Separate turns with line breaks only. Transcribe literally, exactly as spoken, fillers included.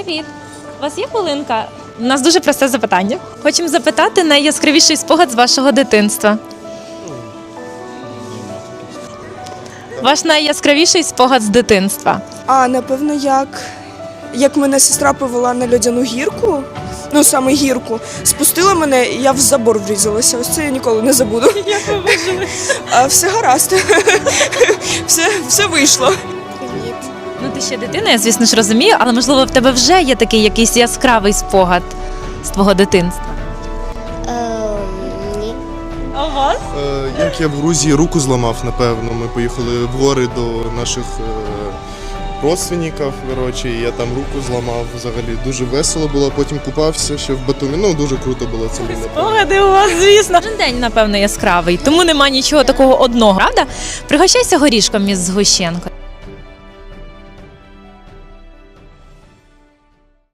Привіт! У вас є хвилинка? У нас дуже просте запитання. Хочемо запитати найяскравіший спогад з вашого дитинства. Ваш найяскравіший спогад з дитинства.
А, напевно, як, як мене сестра повела на льодяну гірку, ну саме гірку, спустила мене, і я в забор врізалася. Ось це я ніколи не забуду.
Як ви вижили?
А все гаразд. все, все вийшло.
Ну ти ще дитина, я звісно ж розумію, але можливо в тебе вже є такий якийсь яскравий спогад з твого дитинства.
Ні.
А у вас?
Е, Як я в Грузії руку зламав, напевно. Ми поїхали в гори до наших е, родственників, коротше, і я там руку зламав. Взагалі дуже весело було. Потім купався ще в Батумі. Ну, дуже круто було це. напевно.
Спогади у вас, звісно. Кожен день, напевно, яскравий, тому нема нічого такого одного, правда? Пригощайся горішком із згущенкою.